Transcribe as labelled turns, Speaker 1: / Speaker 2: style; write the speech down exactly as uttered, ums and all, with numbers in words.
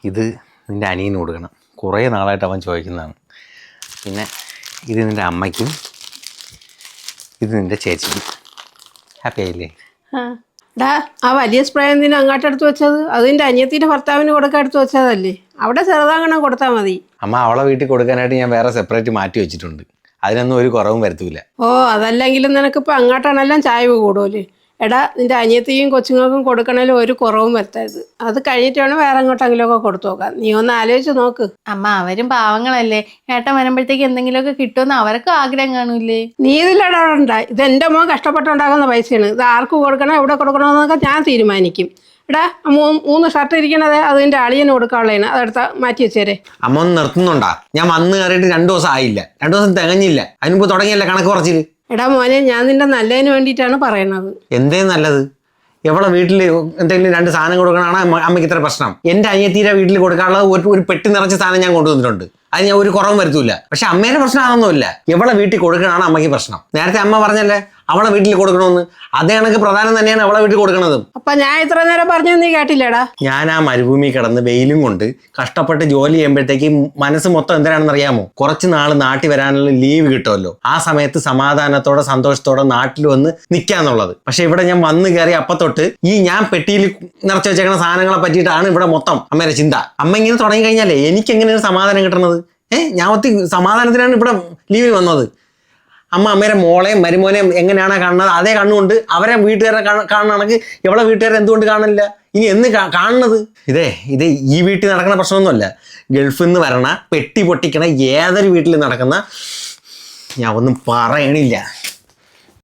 Speaker 1: ഇത് നിൻ്റെ അനിയന് കൊടുക്കണം. കുറേ നാളായിട്ട് അവൻ ചോദിക്കുന്നതാണ്. പിന്നെ ഇത് നിൻ്റെ അമ്മയ്ക്കും ഇത് നിൻ്റെ ചേച്ചിക്കും. ഹാപ്പി ആയില്ലേ?
Speaker 2: ഡാ ആ വലിയ സ്പ്രേ എന്തിനാ അങ്ങോട്ടെടുത്ത് വെച്ചത്? അതിൻ്റെ അനിയത്തിൻ്റെ ഭർത്താവിന് കൊടുക്കാൻ എടുത്ത് വെച്ചതല്ലേ? അവിടെ ചെറുതാകണം കൊടുത്താൽ മതി.
Speaker 1: അമ്മ അവളെ വീട്ടിൽ കൊടുക്കാനായിട്ട് ഞാൻ വേറെ സെപ്പറേറ്റ് മാറ്റി വെച്ചിട്ടുണ്ട്. അതിനൊന്നും ഒരു കുറവും വരുത്തൂല.
Speaker 2: ഓ അതല്ലെങ്കിലും നിനക്കിപ്പോൾ അങ്ങോട്ടാണെല്ലാം ചായവ് കൂടുമല്ലേ? എടാ നിൻ്റെ അനിയത്തിയും കൊച്ചുങ്ങൾക്കും കൊടുക്കണേലും ഒരു കുറവും വരുത്തരുത്. അത് കഴിഞ്ഞിട്ട് വേണം വേറെ എങ്ങോട്ടെങ്കിലുമൊക്കെ കൊടുത്തു നോക്കാം. നീ ഒന്ന് ആലോചിച്ച് നോക്ക്.
Speaker 3: അമ്മ അവരും പാവങ്ങളല്ലേ, ഏട്ടൻ വരുമ്പോഴത്തേക്ക് എന്തെങ്കിലുമൊക്കെ കിട്ടുമെന്ന് അവർക്കും ആഗ്രഹം കാണൂലേ?
Speaker 2: നീ ഇതിലിടണ്ട. ഇത് എൻ്റെ മോൻ കഷ്ടപ്പെട്ടുണ്ടാക്കുന്ന പൈസയാണ്. ഇത് ആർക്ക് കൊടുക്കണം എവിടെ കൊടുക്കണമെന്നൊക്കെ ഞാൻ തീരുമാനിക്കും. എടാ മൂ മൂന്ന് ഷർട്ട് ഇരിക്കണത് അതിൻ്റെ അളിയന് കൊടുക്കാനുള്ളതാണ്. അതെടുത്താൽ മാറ്റി വെച്ചേരെ.
Speaker 1: അമ്മ ഒന്ന് നിർത്തുന്നുണ്ടാ? ഞാൻ വന്ന് കയറിയിട്ട് രണ്ടു ദിവസം ആയില്ല, രണ്ടു ദിവസം തികഞ്ഞില്ല. അതിനുമ്പ് തുടങ്ങിയല്ലേ കണക്ക് കുറച്ചില്.
Speaker 2: എടാ മോനെ, ഞാൻ നിന്റെ നല്ലതിന് വേണ്ടിയിട്ടാണ് പറയണത്.
Speaker 1: എന്തേ നല്ലത്? എവളെ വീട്ടിൽ എന്തെങ്കിലും രണ്ട് സാധനം കൊടുക്കണതാണ് അമ്മയ്ക്ക് ഇത്ര പ്രശ്നം. എൻ്റെ അനിയത്തിയുടെ വീട്ടിൽ കൊടുക്കാനുള്ളത് ഒരു ഒരു പെട്ടി നിറച്ച സാധനം ഞാൻ കൊണ്ടുവന്നിട്ടുണ്ട്. അത് ഞാൻ ഒരു കുറവും വരുത്തൂല. പക്ഷെ അമ്മേൻ്റെ പ്രശ്നം അതൊന്നുമില്ല. എവളെ വീട്ടിൽ കൊടുക്കണതാണ് അമ്മയ്ക്ക് പ്രശ്നം. നേരത്തെ അമ്മ പറഞ്ഞല്ലേ അവളെ വീട്ടിൽ കൊടുക്കണമെന്ന്. അതേ കണക്ക് പ്രധാനം തന്നെയാണ് അവളെ വീട്ടിൽ കൊടുക്കണത്.
Speaker 2: അപ്പൊ ഞാൻ ഇത്ര നേരം പറഞ്ഞു നീ കേട്ടില്ലേടാ?
Speaker 1: ഞാൻ ആ മരുഭൂമി കിടന്ന് വെയിലും കൊണ്ട് കഷ്ടപ്പെട്ട് ജോലി ചെയ്യുമ്പോഴത്തേക്ക് മനസ്സ് മൊത്തം എന്തിനാണെന്ന് അറിയാമോ? കുറച്ച് നാൾ നാട്ടിൽ വരാനുള്ള ലീവ് കിട്ടുമല്ലോ. ആ സമയത്ത് സമാധാനത്തോടെ സന്തോഷത്തോടെ നാട്ടിൽ വന്ന് നിൽക്കാന്നുള്ളത്. പക്ഷെ ഇവിടെ ഞാൻ വന്ന് കയറി അപ്പത്തൊട്ട് ഈ ഞാൻ പെട്ടിയിൽ നിറച്ച് വെച്ചേക്കുന്ന സാധനങ്ങളെ പറ്റിയിട്ടാണ് ഇവിടെ മൊത്തം അമ്മയുടെ ചിന്ത. അമ്മ ഇങ്ങനെ തുടങ്ങി കഴിഞ്ഞാലേ എനിക്ക് എങ്ങനെയാണ് സമാധാനം കിട്ടണത്? ഏഹ് ഞാൻ ഒത്തി സമാധാനത്തിനാണ് ഇവിടെ ലീവിന് വന്നത്. അമ്മ അമ്മേരെ മോളെയും മരുമോനെയും എങ്ങനെയാണ് കാണുന്നത് അതേ കണ്ണുകൊണ്ട് അവരെ വീട്ടുകാരെ കാണണമെങ്കിൽ എവളെ വീട്ടുകാരെ എന്തുകൊണ്ട് കാണില്ല? ഇനി എന്ന് കാണുന്നത്? ഇതേ ഇത് ഈ വീട്ടിൽ നടക്കുന്ന പ്രശ്നമൊന്നുമല്ല. ഗൾഫിൽ നിന്ന് വരണ പെട്ടി പൊട്ടിക്കണ ഏതൊരു വീട്ടിൽ നടക്കുന്ന ഞാൻ ഒന്നും പറയണില്ല.